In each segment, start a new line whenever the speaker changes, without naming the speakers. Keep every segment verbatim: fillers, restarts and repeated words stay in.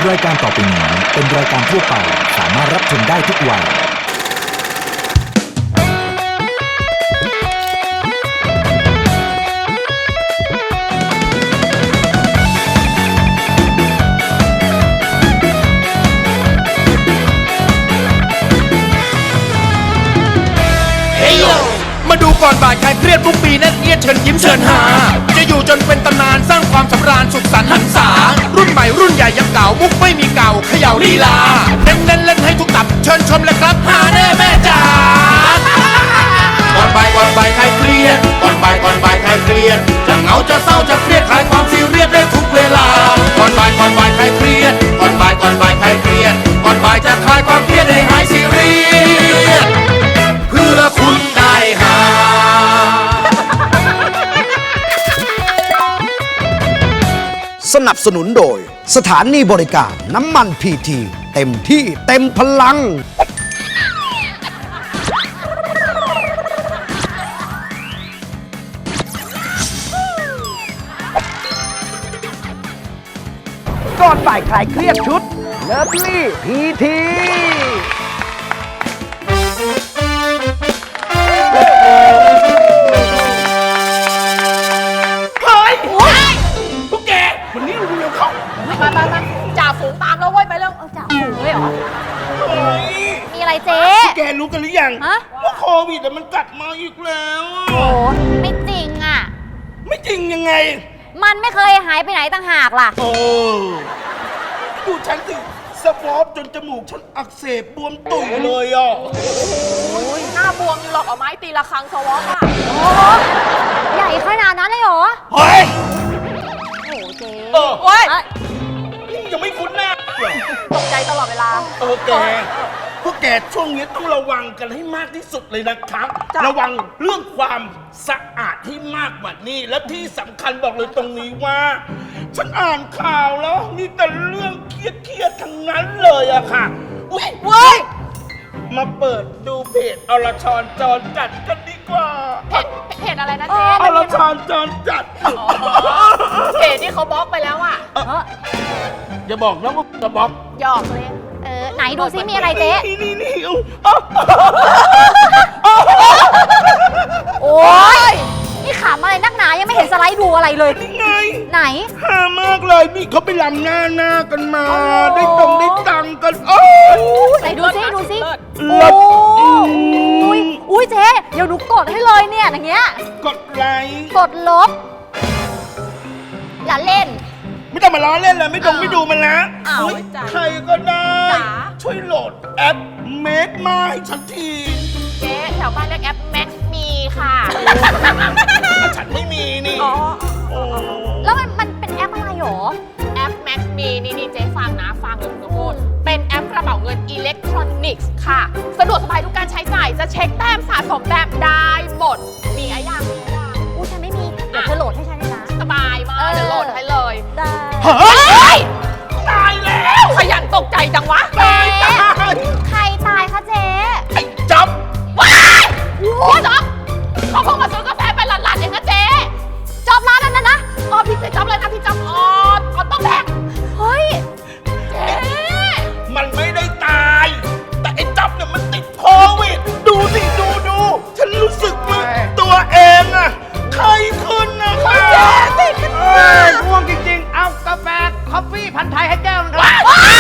รายการต่อไปนี้เป็นรายการทั่วไปสามารถรับชมได้ทุกวัย
มาดูก่อนบ่ายใครเครียดทุกปีนั่นเอียดเชิญยิ้มเชิญหาจะอยู่จนเป็นตำนานสร้างความสำราญสุขสันต์หันษารุ่นใหม่รุ่นใหญ่ยังเก่ามุกไม่มีเก่าเขย่าลีลาเน้นเล่นเล่นให้ทุกตับเชิญชมเลยครับหาแน่แม่จ๋าก่อนบ่ายก่อนบ่ายใครเครียดก่อนบ่ายก่อนบ่ายใครเครียดจะเหงาจะเศร้าจะเครียดคลายความซีเรียสได้ทุกเวลาก่อนบ่ายก่อนบ่ายใครเครียดก่อนบ่ายก่อนบ่ายใครเครียดก่อนบ่ายจะคลายความเครียดให้หายซีเรียสเพื่อคุณได้หา
สนับสนุนโดยสถานีบริการน้ำมันพีทีเต็มที่เต็มพลังก่อนบ่ายคลายเครียดชุดเลิฟลี่พีที
มามามาจ่าฝูงตามแล้วเว้ยไปเรื่องจ่าฝูงเลยเหรอมีอะไรเจ๊
แกรู้กันหรือยัง
ฮะ
ว่าโควิดมันกลับมาอีกแล้ว
โอ้ไม่จริงอ่ะ
ไม่จริงยังไง
มันไม่เคยหายไปไหนต่างหากล่ะ
โอ้ดูฉันสิสวอปจนจมูกฉันอักเสบบวมตุ่ยเลยอ่ะ
หน้าบวมอยู่หรอกเอาไม้ตีละครังสวอปอ่ะโอ้ใหญ่ขนาดนั้นเลยเหรอ
เฮ้ย
โอ้เจ๊
เออ
โอ้ย
นี่ยังไม่คุ้นหน้า
ตกใจตลอดเวลา
เออแกพวกแกช่วงนี้ต้องระวังกันให้มากที่สุดเลยนะครับ
จ้ะ
ระวังเรื่องความสะอาดที่มากกว่านี้ และที่สำคัญบอกเลยตรงนี้ว่า ฉันอ่านข่าวแล้วมีแต่เรื่องเครียดๆทั้งนั้นเลยอะค่ะอุ๊ย
เว้ย
มาเปิดดูเพจอรชรจรจัดกันดีกว่า
เพจเพจอะไรนะเจ๊
อรชรจรจัด
เพจที่เขาบล็อกไปแล้วอ่ะ
อย่าบอกนะว่าจะบล็อก
หยอกเลยเออไหนดูซิมีอะไรเจ๊
นี่นี่นี่เอา
โอ้ยนี่ขำอะไรนักหนายังไม่เห็นสไลด์ดูอะไรเลย
นี่ไง
ไหน
ฮามากเลยนี่เขาไปลำหน้าหน้ากันมา
อ๋อ
ได้ตรงได้ตังค์กันโอ้ย
ไหนดูซิดูซิ
เลิศ
โอ้ยอุ้ยเจ๊เดี๋ยวหนูกดให้เลยเนี่ยอย่างเงี้ย
กดไลค์
กดลบ อย่าเล่น
ไม่ต้องมาล้อเล่นเลยไม่ต้อง
อ้าว
ไม่ดูมันนะ
อ้าว
อุ๊ย
จ้ะ
ใครก็ได้
จ๋า
ช่วยโหลดแอปเมดมาให้ฉันที
เจ๊แถวบ้านเรียกแอปแม็กมีค่ะ
ถ้าฉันไม่มีนี่
อ๋อ
โอ้
แล้วมันมันเป็นแอปอะไรหรอ แอป Max มีนี่นี่เจ๊ฟังนะฟังเลยคุณพูดเป็นแอปกระเป๋าเงินอิเล็กทรอนิกส์ค่ะ สะดวกสบายทุกการใช้จ่ายจะเช็คแต้มสะสมแต้มได้หมด มีอะไรยังมีอะไรยังอู้ฉันไม่มี เดี๋ยวเธอโหลดให้ฉันด้วยนะ สบายมาก เดี๋ยวโหลดให้เลย ได้
เฮ้ยตายแล้ว
ขยันตกใจจังวะ
ตายตาย
ใครตายคะเจ๊
ไอ้จ๊อบ
ว้ายพี่จ๊อบเขาเพิ่งมาซื้อกาแฟไปหลัดๆเองนะเจ๊จ๊อบร้านนั้นนะนะอ๋อพี่เจ๊จ๊อบเลยนะพี่จ๊อบอ๋ออ๋อต้องแบกเฮ้ยเจ๊
มันไม่ได้ตาย แต่ไอ้จ๊อบเนี่ยมันติดโควิด ดูสิดูดูฉันรู้สึกว่าตัวเองอะไข้ขึ้นนะคะ
ติดขึ้นมา
ง่วงจริงๆ เอากาแฟคอฟฟี่พันธุ์ไทยให้แก้วนึงครับ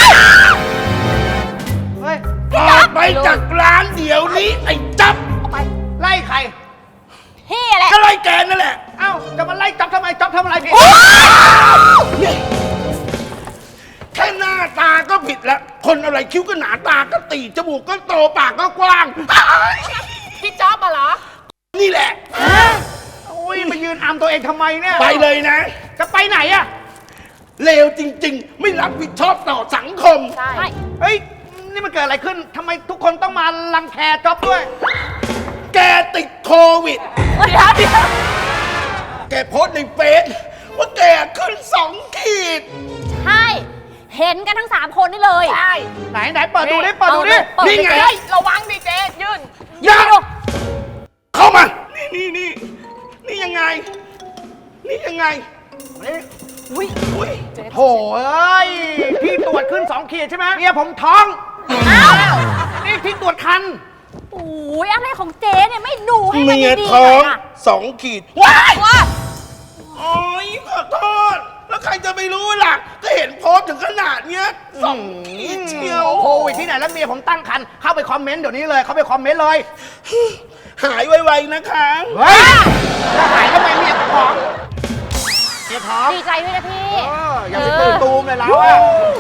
เฮ้ย
ออกไปจากร้านเดี๋ยวนี้ไอ้จ๊อบ
ไป
ไล่ใคร
พี่แหละ
ก็ไล่แกนั่นแหละ
เอ้า จะมาไล่จับทำไมจับทำอะไรผิด
นี่แค่หน้าตาก็ผิดแล้ว คนอะไรคิ้วก็หนาตาก็ตีจมูกก็โตปากก็กว้าง
พี่จ๊อบมาเหรอ
นี่แหละ
อุ้ยมายืนอำตัวเองทำไมเนี่ย
ไปเลยนะ
จะไปไหนอะ
เลวจริงๆ ไม่รับผิดชอบต่อสังคม
ใช่
เฮ้ย นี่มันเกิดอะไรขึ้น ทำไมทุกคนต้องมารังแคจ๊อบด้วย
แกติดโควิด
เดี๋ยวเดี๋ยว
แกโพสต์ในเฟซว่าแกขึ้นสองขีด
ใช่ เห็นกันทั้งสามคนนี่เลย ใช่
ไหนไหนเปิดดูดิ เปิดดูดิ
นี่ไง
ระวังดิเจ๊ยื่น
อย่าเข้ามา นี่นี่นี่นี่ยังไง นี่ยังไง
นี่
อุ้ย
อุ้ย
โถ่เอ้ยพี่ตรวจขึ้นสองขีดใช่ไหมเมียผมท้อง
อ้าว
นี่พี่ตรวจคัน
โอ้ยอะไรของเจ๊เนี่ยไม่ดูให้มัน
เมีย
ดีๆ
ท้
ห
อ
น่
ง
อยอะ
สองขีดว้าย
ว่า
โอ้ยขอโทษ แล้วใครจะไปรู้ล่ะ ก็เห็นโพสต์ถึงขนาดเนี้ยสองขีดเชียว
โควิดที่ไหนแล้วเมียผมตั้งคันเข้าไปคอมเมนต์เดี๋ยวนี้เลยเข้าไปคอมเมนต์เลย
หายไวๆนะคะ
เฮ้ยจะหายทำไมเมียท้องเมียท้อง
ดีใจด้วยนะพี่
เอออย่าไปตื่นตูมเลยแล้วอะ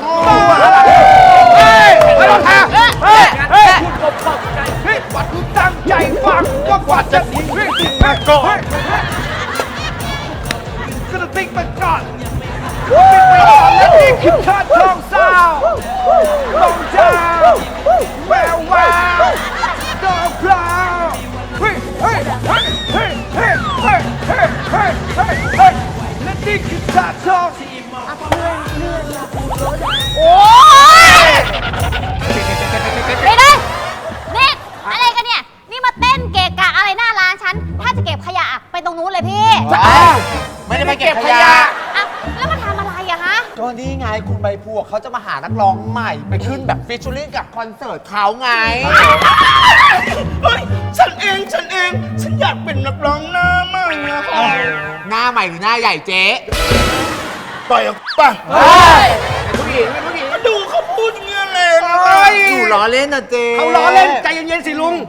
เฮ้ยไม่ต้องทำเฮ้ยเฮ้ยคุณกบตกใจเฮ้ยวัดคุณตั้งใจฟังว่ากว่าจะทิ้งเฮ้ยทิ้งมาก่อนก็ต้องทิ้งมาก่อนทิ้งไปก่อนแล้วนี่คือชาติทองสาวลงเจ้าแวววาวดอกพลาวเฮ้ยเฮ้ยเฮ้ยเฮ้ยเฮ้ยเฮ้ยเฮ้ยเฮ้ยเฮ้ยเฮ้ยและนี่คือชาติทอง
โอ้ยไปเลยนี่อะไรกันเนี่ย นี่มาเต้นเกะกะอะไรหน้าร้านฉัน ถ้าจะเก็บขยะอะไปตรงนู้นเลยพี่
ไม่ได้ไปเก็บขยะ
อ่ะแล้วมาทำอะไรอะฮะ
ก็นี่ไงคุณใบพวกเขาจะมาหานักร้องใหม่ ไปขึ้นแบบฟิชเชอริ่งกับคอนเสิร์ตเขาไง
เฮ้ย ฉันเอง ฉันเอง ฉันอยากเป็นนักร้องหน้าใหม่อะค่ะ
หน้าใหม่หรือหน้าใหญ่เจ๊
ปล่อยออกป่ะ
เป็นผู้หญิงเป็นผู้หญิง
ก็ดูเขาพูดอย่างเงี้ยแรงอะ
เฮ้ย
อยู่ล้อเล่นนะเจ๊
เขาล้อเล่นใจเย็นๆสิลุง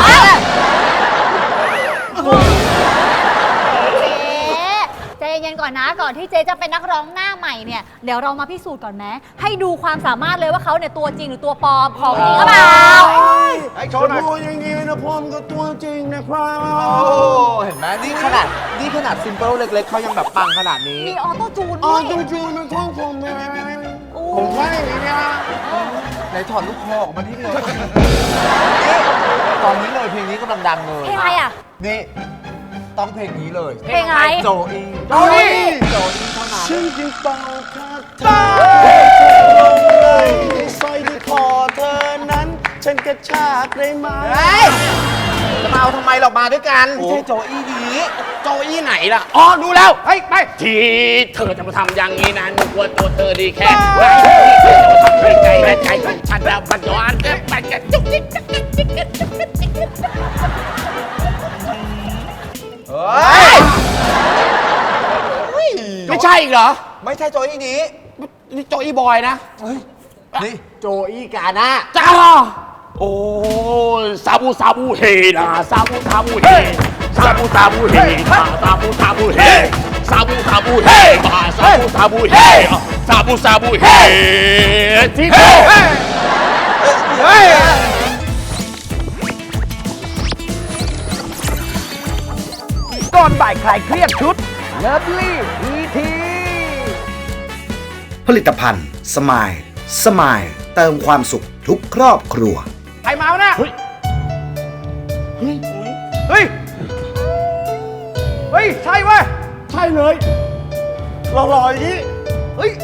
เจ๊ใจเย็นๆก่อนนะก่อนที่เจ๊จะเป็นนักร้องหน้าใหม่เนี่ยเดี๋ยวเรามาพิสูจน์ก่อนไหมให้ดูความสามารถเลยว่าเขาเนี่ยตัวจริงหรือตัวปลอมของจริงหรือเปล่า
ไอ้โชว์หน่อย
พูดอย่างนี้นะพ่อมก็ตัวจริงนะครับ
โอ้เห็นไหมนี่ขนาดนี่ขนาดซิมเปิลเล็กๆเขายังแบบปังขนาดนี้
มีออโต้จูน
อ๋อ
ด้วย
ตัวจริงมันของผมนะ
โอ้
ผมว่าอย่างนี้นะ
ไหนถอดลูกคอออกมาที่เลยนี่ตอนนี้เลยเพลงนี้กำลังดังเลย
เพลงอะไรอ่ะ
นี่ต้องเพลงนี้เลย
เพลงอะไร
โจอี
โจอี้
โจอีเท่านั้น
ฉันจึงเป่าคาถาลงเลยสร้อยที่คอเธอนั้น ฉันกระชากได้ไหม
เฮ้ยจะมาเอาทำไมเรามาด้วยกันไม่ใช่โจอี้ดี
โจอี้ไหนล่ะ อ๋อ ดูแล้ว
เฮ้ยไป
ที่เธอจะมาทำอย่างนี้นะนึกว่าตัวเธอดีแค่ไหนที่เธอจะมาทำให้ใจและใจของฉันแล้วมันย้อนแอบไปกันจุกจิกจุกจิกจุกจิกจุกจิกจุกจิก
เฮ้ย
ไม่ใช่อีกเหรอ
ไม่ใช่โจอี้นี้
นี่โจอี้บอยนะ
นี่โจอี้กาหน้า
จ้าโอ้ยซาบูซาบูเฮนะซาบูซาบูเฮซาบูซาบูเฮมาซาบูซาบูเฮซาบูซาบูเฮมาซาบูซาบูเฮซาบูซาบูเฮที่โต
เฮ้ยก่อนบ่ายคลายเครียดชุดเลิฟลี่ทีทีผลิตภัณฑ์สมายสมายเติมความสุขทุกครอบครัวใครมาวะเนี่ยเฮ้ยเฮ้ยเฮ้ยเฮ้ยใช่เว้ยใช่เลยหล่อๆอย่างนี้เฮ้ย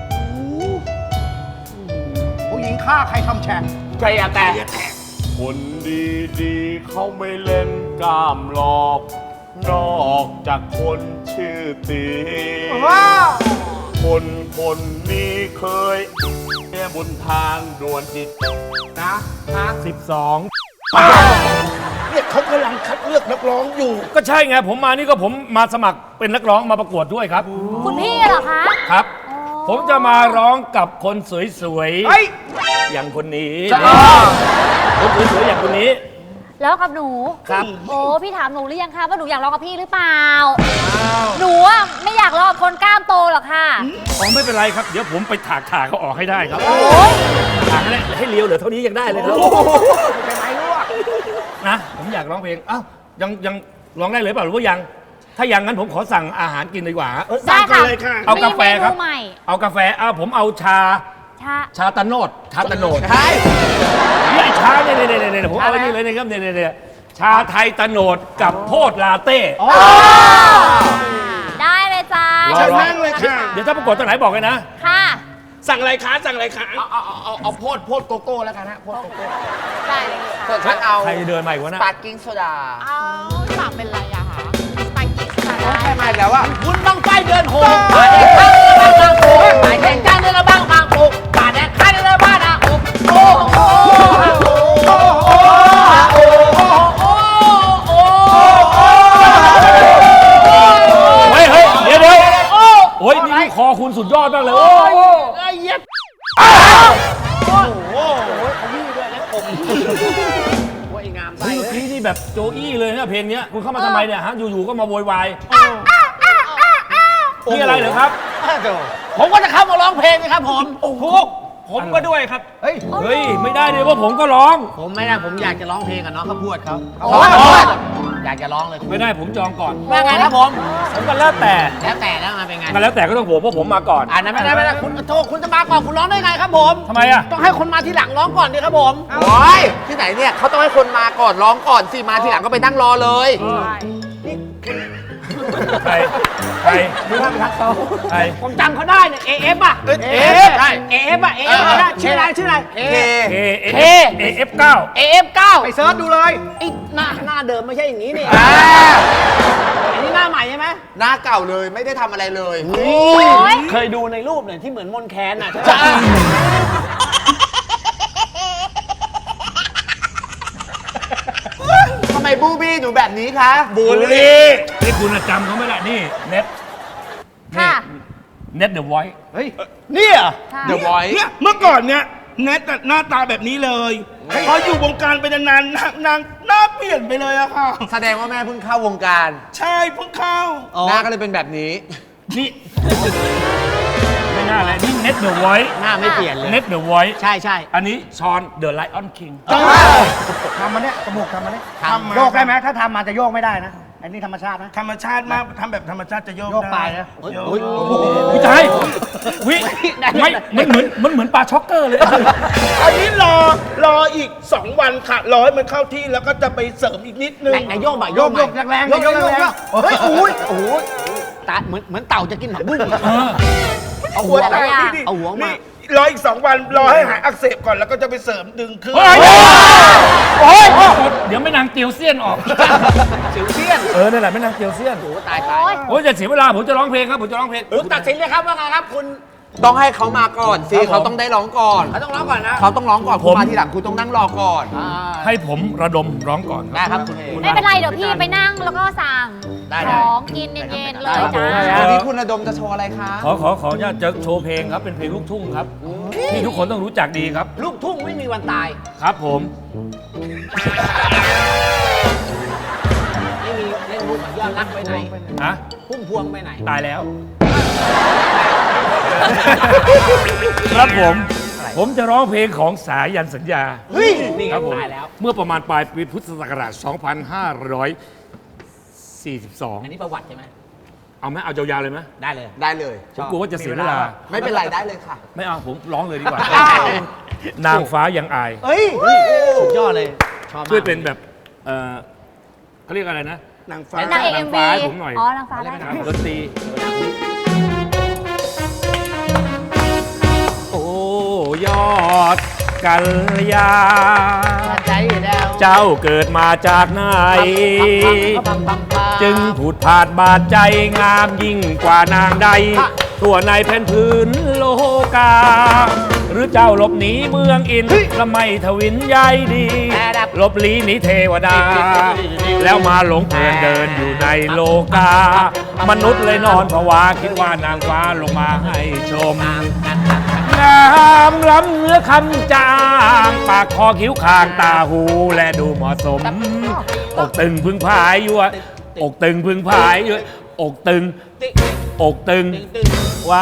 ผู้หญิงฆ่าใครทำแฉง
ใครอะแต่คนดีๆเขาไม่เล่นกล้ามหลอกนอกจากคนชื่อตี
ว้า
คนคนนี้เคยแค่บนทางด่วนจิตนะนะสิบสอง
เนี่ยเขากำลังคัดเลือกนักร้องอยู่
ก็ใช่ไง ผมมานี่ก็ผมมาสมัครเป็นนักร้องมาประกวดด้วยครับ
คุณพี่เหรอคะ
ครับ ผมจะมาร้องกับคนสวย
เฮ้ย
ๆ อย่างคนนี้ คนสวยๆ อย่างคนนี้
แล้วกับหนู
ครับ
โอ้พี่ถามหนูหรือยังคะว่าหนูอยากร้องกับพี่หรือเปล่าหนูอะไม่อยากร้องกับคนกล้ามโตหรอกค่ะ
อ๋อไม่เป็นไรครับ เดี๋ยวผมไปถากถากเขาออกให้ได้ครับ
โอ้ย
ถากให้ได้ให้เลี้ยวเหลือเท่านี้ยังได้เลยครับ
เป็นไรรู้อ่ะ
นะ ผมอยากร้องเพลง อ้าว ยังยังร้องได้เลยเปล่าหรือว่ายัง ถ้ายังงั้นผมขอสั่งอาหารกินดีกว่า
ได้ค่ะ
เลยค่ะ
เอากาแฟครับ
มีเมนูใหม่
เอากาแฟเอาผมเอาชา
ชา
ชาตะโนด ชาตะโนด
ใช่
นี่ไอ้ชาเนี่ยเนี่ยเนี่ยเนี่ยผมเอาไว้นี่เลยนะครับเนี่ยเนี่ยเนี่ยชาไทยตะโนดกับโพดลาเต้
ได้เลยจ้า
เชิญนั่งเลยค่ะ
เดี๋ยวถ้าประกวดตรงไหนบอกเลยนะ
ค่ะ
สั่งอะไรคะสั่งอะไรคะ
เอาเอาเอาเอาโพดโพดโกโก้แล้วกันฮะโพดโกโก้
ได้เลยค่ะ
ส่วนฉันเอา
ใครเดินมาอีกวะ
ส
นะ
ปาร์กิ้งโซดา
เอาสั่งเป็นอะไรอะคะสไปซี่สไตล์
แค่มาอีกแล้วอ่ะ
คุณบังไฟเดินโหงป่าแดงข้างเรือบ้างบางโขงป่าแดงจ้างเรือบ้างบางโขงป่าแดงข้างเรือบ้างบางโขงโอ้โหโอ้โหโอ้โหโอ้โหโอ้โห
เฮ้ยเฮ้ยเดี๋ยวเดี๋ยวโอ้ยนี่คอคุณสุดยอดมากเลยโอ้ย
ไอ้เย็บ
เมื่อกี้นี่แบบโจอี้เลยนะเพลงเนี้ยคุณเข้ามาทำไมเนี่ยฮะอยู่ๆก็มาโวยวายนี่อะไรเหรอครับ
ผมก็จะเข้ามาร้องเพลงนะครับผมทุก
ผมก็ด้วยครับเฮ้ยเฮ้ยไม่ได้เลยว่าผมก็ร้อง
ผมไม่ได้ผมอยากจะร้องเพลงกับน้องข้าวโพดเขาอยากจะร้องเลย
ไม่ได้ผมจองก่อน
ว่าไงครับผม
ผมก็แล้วแต่
แล้วแต่แล้วมาเป็นไง
มันแล้วแต่ก็ต้องผมเพราะผมมาก่อน
อ่านั้นไม่ได้ไม่ได้คุณโทษคุณจะมาก่อนคุณร้องได้ไงครับผม
ทำไมอ่ะ
ต้องให้คนมาทีหลังร้องก่อนดิครับผม
โอ้ยที่ไหนเนี่ยเขาต้องให้คนมาก่อนร้องก่อนสิมาทีหลังก็ไปนั่งรอเลย
ใครใครดูท่านทักเขาใคร
ผมจำเขาได้เนี่ย เอ เอฟ อ่ะ
เอฟ
ใช่ เอ เอฟ อ่ะ เอ เอฟ ได้ชื่ออะไรชื่ออะไร
เค
เค
เค
เอฟเก้า
เอ เอฟ เก้า
ไปเซิร์ชดูเลย
ไอ้หน้าหน้าเดิมไม่ใช่อย่างนี้นี่
อ่า
อันนี้หน้าใหม่ใช่ไหม
หน้าเก่าเลยไม่ได้ทำอะไรเลย
เคยดูในรูปเนี่ยที่เหมือนมนแคนอ่ะ
จ้าทำไมบูบี้หนูแบบนี้คะ
บูลลี่นี่คุณจำเขาไม่ได้นี่เน็ต
ค่ะ
เน็ตเดอะไวท์
เนี่ย
ค่ะ
เดอะวอย
เนี่ยเมื่อก่อนเนี่ยแนทหน้าตาแบบนี้เลยพออยู่วงการไปนานๆนางนางหน้าเปลี่ยนไปเลยอะค่ะ
แสดงว่าแม่เพิ่งเข้าวงการ
ใช่เพิ่งเข้า
หน้าก็เลยเป็นแบบนี้
นี่ไม่น่าเลยนี่เน็ตเดอะไวท์
หน้าไม่เปลี่ยนเลย
เน็ตเดอะไวท์
ใช่ใช่
อันนี้ชอนเดอะไลออนคิง
ทำมาเนี่ยจมูกทำมาเนี่ย
ทำมา
โยกได้ไหมถ้าทำมาจะโยกไม่ได้นะอันนี้ธรรมชาตินะ
ธรรมชาติมากทำแบบธรรมชาติจะโยก
โยกไปนะ
โยก
วิจัยวิไม่มันเหมือนมันเหมือนปลาช็อกเกอร์เลย
อันนี้รอรออีกสองวันค่ะรอให้มันเข้าที่แล้วก็จะไปเสริมอีกนิดนึง
ไหนไหนโยกบ่อย
โยกโยกแรงๆ
โยกโยก
โย
โย
ก
ก
แรงๆเฮ้ยอุ้ยโอ้ย
ตาเหมือนเหมือนเต่าจะกินผักบุ้ง
เออ
เอาหัว
เอา
มา
หัว
เอาหัวมา
นี่รออีกสองวันรอให้หายอักเสบก่อนแล้วก็จะไปเสริมดึงขึ้น
เฮ้ยโอ้ยเดี๋ยวไม่นางเตียวเซียนออก
สิวเซียน
เออนั่นแหละไม่นางเตียวเซียน
โอ้ตายตาย
โอ๊ย
โอ้ยจะเสียเวลาผมจะร้องเพลงครับผมจะร้องเพลง
คุณตัดสินเลยครับว่าไงครับคุณ
ต้องให้เขามาก่อนสิเขาต้องได้ร้องก่อน
เขาต้องร้องก่อนนะ
เขาต้องร้องก่อนคุณมาทีหลังคุณต้องนั่งรอก่อน
อ่า
ให้ผมระดมร้องก่อนค
ได้
รับ
ครับคุณเอ
ไม่เป็นไรเดี๋ยวพี่ไปนั่งแล้วก็สั่ง
ได้ได้
ของกินเย็นๆเลย
ครับผม
จ้า
วันนี้คุณระดมจะโชว์อะไรคะ
ขอขอขออนุญาตจะโชว์เพลงครับเป็นเพลงลูกทุ่งครับที่ทุกคนต้องรู้จักดีครับ
ลูกทุ่งไม่มีวันตาย
ครับผม
ไม่มีเล่นมุกกับยอดรักไปไหน
ฮะ
พุ่มพวงไปไหน
ตายแล้ว ครับผม ผมจะร้องเพลงของสายันสัญญา
เฮ้ย นี่ไง
ครับผม
ตายแล้ว
เมื่อประมาณปลายปีพุทธศักราช สองพันห้าร้อยสี่สิบสอง
อันนี้ประวัติใช่ไหม
เอาไหมเอายาวๆเลยไหม
ได้เลย
ได้เลย
ผมกลัวว่าจะเสียเวลา
ไม่เป็นไรได้เลยค่ะ
ไม่เอาผมร้องเลยดีกว่า นางฟ้ายังอาย
เฮ้ย
สุดยอดเลย ชอบมาก
ช่วยเป็นแบบ เออเขาเรียกอะไรนะ
นางฟ้า
นางเอกเอ็ม
นางฟ้า
วี
ให้ผมหน่อย
อ๋อนางฟ้าได้
ครับดนตรี โอ้ยอดกัลยา
ใจแล้ว
เจ้าเกิดมาจากไหน
ปังปังปัง
จึงผุดผาดบาดใจงามยิ่งกว่านางใด ทั่วในแผ่นพื้นโลกา หรือเจ้าหลบหนีเมืองอินและไม่ทวินใยดีหลบหลีหนีเทวดา แล้วมาหลงเพลินเดินอยู่ในโลกา มนุษย์เลยนอนผวาคิดว่านางฟ้าลงมาให้ชม งามล้ำเนื้อคำจาง ปากคอคิ้วคางตาหูและดูเหมาะสม อกตึงพึงพายยั่วอกตึงพึงพายยั่วอกตึง อกตึงว่า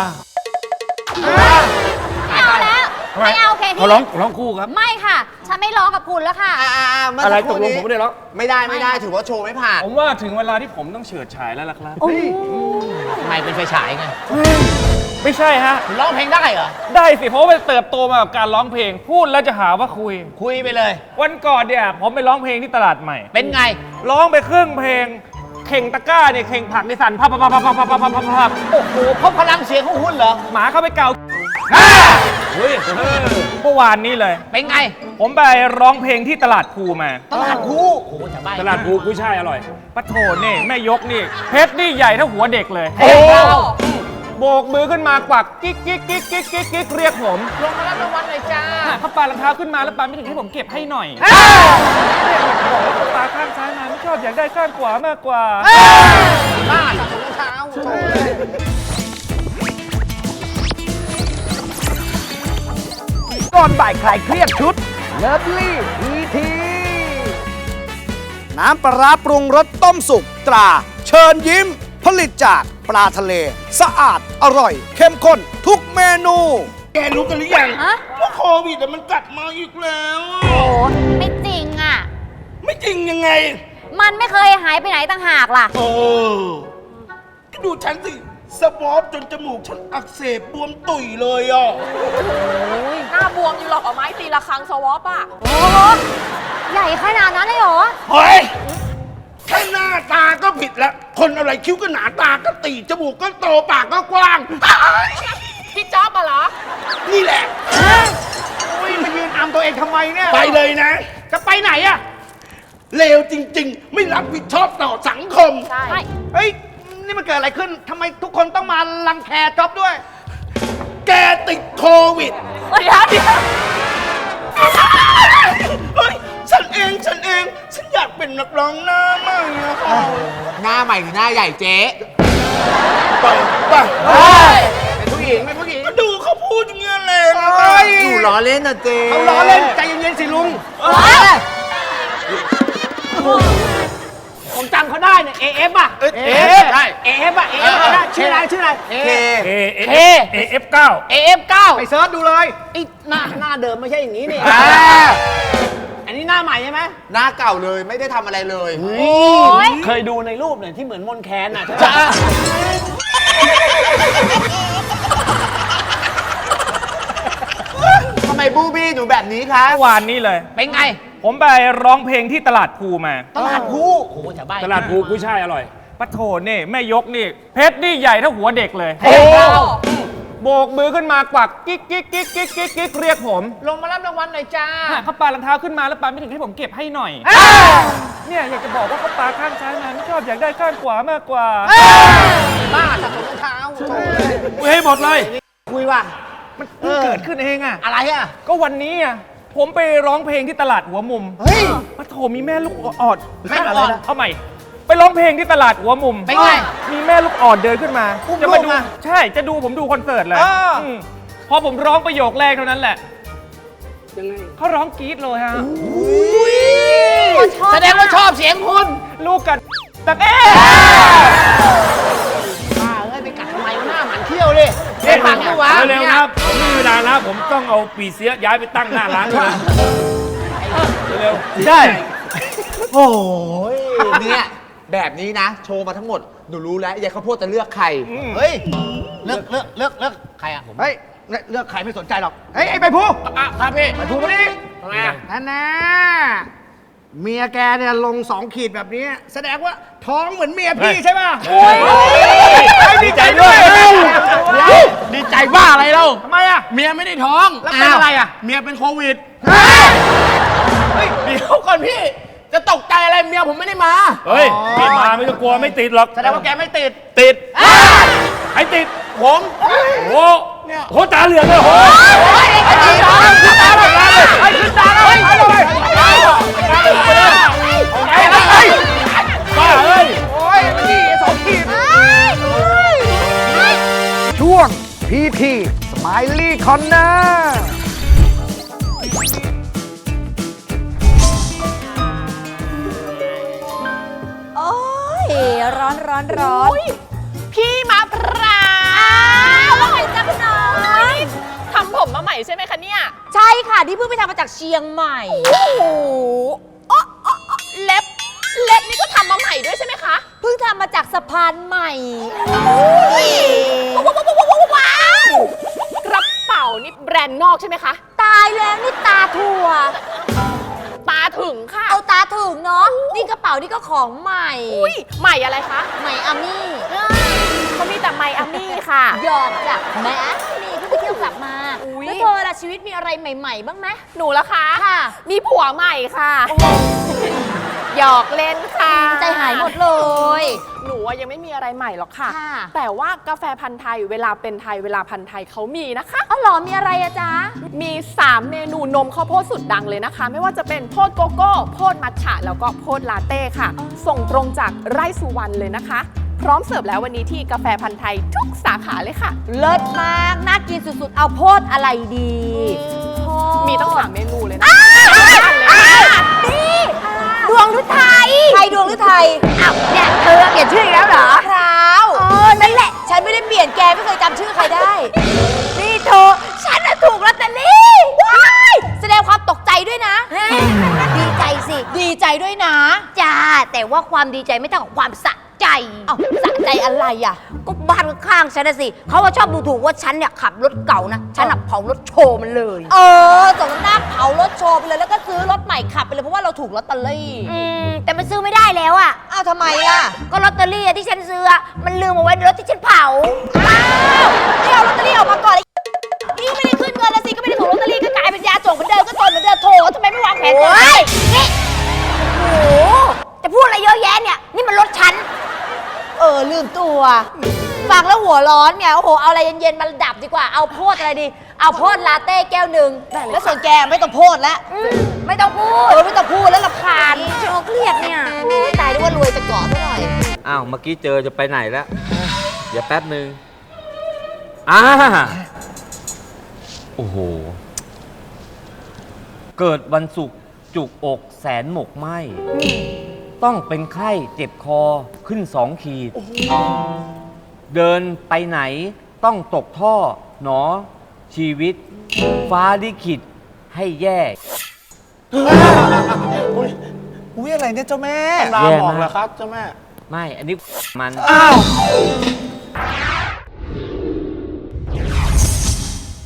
ไม่เอาแล้ว ไม่เอาเพลง
เขาร้องร้องคู่ครับ
ไม่ค่ะ ฉันไม่ร้องกับคุณแล้วค่ะ
อ่าๆเมื่อ
อะไร
สักค
ต
รู่
กลง
นี้
ผมไม่ได้ร้อง
ไม่ได้ไม่ได้ถือว่าโชว์ไม่ผ่าน
ผมว่าถึงเวลาที่ผมต้องเฉิดฉายแล้วล่ะครับ
ทำไมเป็นไฟฉายไง
ไม่ใช่ฮะ
คุณร้องเพลงได้เหรอ
ได้สิ เพราะว่าเติบโตมากับการร้องเพลง พูดแล้วจะหาว่าคุย
คุยไปเลย
วันก่อนเนี่ยผมไปร้องเพลงที่ตลาดใหม่
เป็นไง
ร้องไปครึ่งเพลง เข่งตะกร้าเนี่ยเข่งผักในสั่นพับพับพับพับพับพับพับพับ
โอ้โหเพราะพลังเสียงของคุณเหรอ
หมาเข้าไปเกาเฮ้ยเมื่อวานนี้เลย
เป็นไง
ผมไปร้องเพลงที่ตลาดภูมา
ตลาดคู่โอ้โหจะบ้า
ตลาดภูกุ้ยช่ายอร่อย
ปะโถนี่แม่ยกนี่เพชรนี่ใหญ่เท่าหัวเด็กเลย
โอ้โห
โบกมือขึ้นมากวักกิ๊กกิ๊กกิ๊กกิ๊กกิ๊กกิ๊กเรียกผม
ลงมารับรางวัลหน่อยจ้า
เขาปารองเท้าขึ้นมาแล้วปาไม่ถึงให้ผมเก็บให้หน่อยบอกว่าเขาปาข้างซ้ายมาไม่ชอบอยากได้ข้างขวามากกว่า
บ้าสะสมรองเท้า
ก่อนบ่ายคลายเครียดชุดเลิฟลี่ทีทีน้ำปลาร้าปรุงรสต้มสุกตรา เชิญยิ้ม ผลิตจากปลาทะเล สะอาดอร่อย เข้มข้นทุกเมนู
แกรู้กันหรือยัง
ฮะ
ว่าโควิดอะมันกลับมาอีกแล้ว
โอ้ไม่จริงอ่ะ
ไม่จริงยังไง
มันไม่เคยหายไปไหนต่างหากล่ะ
โอ้ก็ดูฉันสิ สวอปจนจมูกฉันอักเสบบวมตุ่ยเลยอ่ะ
หน้าบวมอยู่หรอกเอาไม้ตีละครั้งสวอปอ่ะ
โอ้โหใหญ่ขนาดนั้นเลยเหรอ
เฮ้ยแค่หน้าตาก็ผิดแล้ว คนอะไรคิ้วก็หนาตาก็ตีจมูกก็โตปากก็กว้าง
พี่จ๊อบมาเหรอ
นี่แหละ
อุ้ยมายืนอำตัวเองทำไมเนี่ย
ไปเลยนะ
จะไปไหนอะ
เลวจริง ๆ ไม่รับผิดชอบต่อสังคม
ใช่
เฮ้ย นี่มันเกิดอะไรขึ้นทำไมทุกคนต้องมารังแคจ๊อบด้วย
แกติดโควิด
เดี๋ยวเดี๋ยว
เฮ้ย ฉันเอง ฉันเอง ฉันอยากเป็นนักร้องหน้าใหม่อะค่ะ
หน้าใหม่หรือหน้าใหญ่เจ๊
ไปไป
เป็นผู้หญิงเป็นผู้หญิง
ก็ดูเขาพูดอย่างเงี้ยแหละ
เฮ้ย
อยู่ล้อเล่นนะเจ๊
เขาล้อเล่นใจเย็นๆสิลุง ผมจำเขาได้เนี่ย เอ เอฟ อ่ะ
เอฟ
ใช่ เอ เอฟ อ่ะ เอ เอฟ ได้ชื่ออะไรชื่ออะไร เอ
เค
เอเอเอเอฟเก้า
เอฟเก้า
ไปเซิร์ชดูเลย
ไอ้หน้าหน้าเดิมไม่ใช่อย่างนี้นี่
อันนี้หน้าใหม่ใช่ไหม
หน้าเก่าเลยไม่ได้ทำอะไรเลย
ย
เคยดูในรูปเนี่ยที่เหมือนมนแคนอ่ะ
จ้า ทำไมบูบี้หนูแบบนี้คะ
เมื่อวานนี้เลย
เป็นไง
ผมไปร้องเพลงที่ตลาดภูมา
ตลาดคู่โอ้โหจะบ้า
ตลาดภูกุ้ยช่ายอร่อย
ปะโถนี่แม่ยกนี่เพชรนี่ใหญ่เท่าหัวเด็กเลย
โอ้โห
โบกมือขึ้นมากวักกิ๊กกิ๊กกิ๊กกิ๊กกิ๊กกิ๊กเรียกผม
ลงมารับรางวัลหน่อยจ้า
เขาปารองเท้าขึ้นมาแล้วปาไม่ถึงให้ผมเก็บให้หน่อย เนี่ยอยากจะบอกว่าเขาปาข้างซ้ายมาไม่ชอบอยากได้ข้างขวามากกว่า
บ้าสะสมรองเท้า
คุยให้หมดเลย
คุยว่า
มันเพิ่งเกิดขึ้นเองอ่ะ
อะไรอ่ะ
ก็วันนี้อ่ะผมไปร้องเพลงที่ตลาดหัวมุม
เฮ้ย
ปะโถมีแม่ลูกอ่อน
แม่ลูกอ่อน
เอาใหม่ ไปร้องเพลงที่ตลาดหัวมุม
เป็นไง
มีแม่ลูกอ่อนเดินขึ้นมา
อุ้ม
จะมา
ลู
ดู
กมา
ใช่จะดูผมดูคอนเสิร์ตเลย
อ่า
อืมพอผมร้องประโยคแรกเท่านั้นแหละเขาร้องกรี๊ดเลยฮะ
แสดงว่าชอบเสียงคุณ
ลูกกันแต่เอ๊ะ
บ้าเอ้ยไปกัดทำไมวะหน้าหมันเที่ยวดิเด็กฝังด้วยวะ
เร็วๆนะครับ ผมไม่มีเวลาแล้วผมต้องเอาปีเสียย้ายไปตั้งหน้าร้านด้วยนะเร็ว
ใช่
โอ้ยเนี่ยแบบนี้นะ โชว์มาทั้งหมด หนูรู้แล้วยายข้าวโพดจะเลือกใคร
เฮ้ย
เลือกเลือกเลือกเลือกใครอ่ะผม
เฮ้ย เลือกใครไม่สนใจหรอก เฮ้ย ไอ้ใบพู
อ่ะครับพี่
ใบพูมาดิ
ทำไมอ่ะ
นั่นนะเมียแกเนี่ยลงสองขีดแบบนี้ แสดงว่าท้องเหมือนเมียพี่ใช่ป่ะ
ดีใจด้วย
ดีใจบ้าอะไรเล่า
ทำไมอ่ะ
เมียไม่ได้ท้อง
แล้วเป็นอะไรอ่ะ
เมียเป็นโควิด
เฮ้ย
เดี๋ยวก่อนพี่ จะตกใจอะไรเมียผมไม่ได้มา
เฮ้ยพี่มาไม่ต้องกลัวไม่ติดหรอก
แสดงว่าแกไม่ติด
ติดใครติด
ผม
โอ้โหโหตาเหลืองเลยโห บ้าเอ้ย
โอ้ยมันนี่สองขีดช่วงพีทีสไมลี่คอนเนอร์
โอ้ย ร้อนร้อนร้อน
พี่มะพร้าว
อร่อยจังน้อย
ทำผมมาใหม่ใช่ไหมคะเนี่ย
ใช่ค่ะ ที่เพิ่งไปทำมาจากเชียงใหม่
โอ้โหอ๊ะอ๊ะอ๊ะเล็บ เล็บนี่ก็ทำมาใหม่ด้วยใช่ไหมคะ
เพิ่งทำมาจากสะพานใหม่
ว้าวว้าวว้าวว้าวว้าวกระเป๋านี่แบรนด์นอกใช่ไหมคะ
ตายแล้วนี่ตาถั่ว
ตาถึงค่ะ
เอาตาถึงเนาะ นี่กระเป๋านี่ก็ของใหม่
อุ้ยใหม่อะไรคะ
ใหม่อามี่
เขามีแต่ไมอามี่ค่ะ
หยอกจากแม่นี่เพิ่งไปเที่ยวกลับมาชีวิตมีอะไรใหม่ๆ บ้างไหม
หนูละคะ
ค่ะ
มีผัวใหม่ค่ะหยอกเล่นค่ะ
ใจหายหมดเลย
หนูอะยังไม่มีอะไรใหม่หรอกค่ะ
ค่ะ
แต่ว่ากาแฟพันธุ์ไทยเวลาเป็นไทยเวลาพันธุ์ไทยเขามีนะคะ
อ๋อเหรอมีอะไรอะจ๊ะ
มี สาม เมนูนมข้าวโพดสุดดังเลยนะคะ ไม่ว่าจะเป็นโพดโกโก้ โพดมัทฉะ แล้วก็โพดลาเต้ค่ะ ส่งตรงจากไร่สุวรรณเลยนะคะ พร้อมเสิร์ฟแล้ววันนี้ที่กาแฟพันธุ์ไทยทุกสาขาเลยค่ะ
เลิศมาก น่ากินสุดๆ เอาโพดอะไรดีโพด
มีตั้งสามเมนูเลยนะ
นี่ดวงฤทัยใครดวงฤทัยอ้าวเนี่ยเธอเปลี่ยนชื่ออีกแล้วเหรอคราวเออนั่นแหละ ฉันไม่ได้เปลี่ยนแกไม่เคยจำชื่อใครได้ นี่เธอฉันน่ะถูกลอตเตอรี่ว้ายแสดงความตกใจด้วยนะ ดีใจสิ ดีใจด้วยนะจ้าแต่ว่าความดีใจไม่เท่ากับความสะใจเอ้าสะใจอะไรอ่ะก็บ้านข้างๆฉันนะสิเขาว่าชอบดูถูกว่าฉันเนี่ยขับรถเก่านะฉันน่ะเผารถโชว์มันเลยเออสมน้าเผารถโชว์ไปเลยแล้วก็ซื้อรถใหม่ขับไปเลยเพราะว่าเราถูกลอตเตอรี่อืมแต่มันซื้อไม่ได้แล้วอ่ะอ้าวทำไมอ่ะก็ลอตเตอรี่ที่ฉันซื้อมันลืมเอาไว้ในรถที่ฉันเผาอ้าวนี่เอาลอตเตอรี่ออกมาก่อนเลยนี่ไม่ได้ขึ้นเงินแล้วสิก็ไม่ได้ถูกลอตเตอรี่ก็กลายเป็นยาจกเหมือนเดิมก็ตนเหมือนเดิมโถทำไมไม่วางแผนก่อนนี่โอ้โหจะพูดอะไรเยอะแยะเนี่ยนี่มันรถฉันเออลืมตัวฟังแล้วหัวร้อนไงโอ้โหเอาอะไรเย็นๆมาดับดีกว่าเอาโพดอะไรดีเอาโพดลาเต้แก้วหนึ่งแล้วส่วนแกไม่ต้องโพดแล้วไม่ต้องพูดเออไม่ต้องพูดแล้วรำคาญฉันเครียดเนี่ยตายด้วยว่ารวยจะเกาะซะหน่อย
อ้าว เมื่อกี้เจอจะไปไหนแล้ว เดี๋ยวแป๊บหนึ่งอ่าโอ้โห เกิดวันศุกร์จุกอกแสนหมกไหมต้องเป็นไข้เจ็บคอขึ้นสองขีด เดินไปไหนต้องตกท่อหนอ ชีวิต ฟ้าลิขิตให้แย่
อุ้ยอะไรเนี่ยเจ้าแม่
ลาหมอกเหรอครับเจ้าแม่ ไม่ อันนี้มัน
อ้าว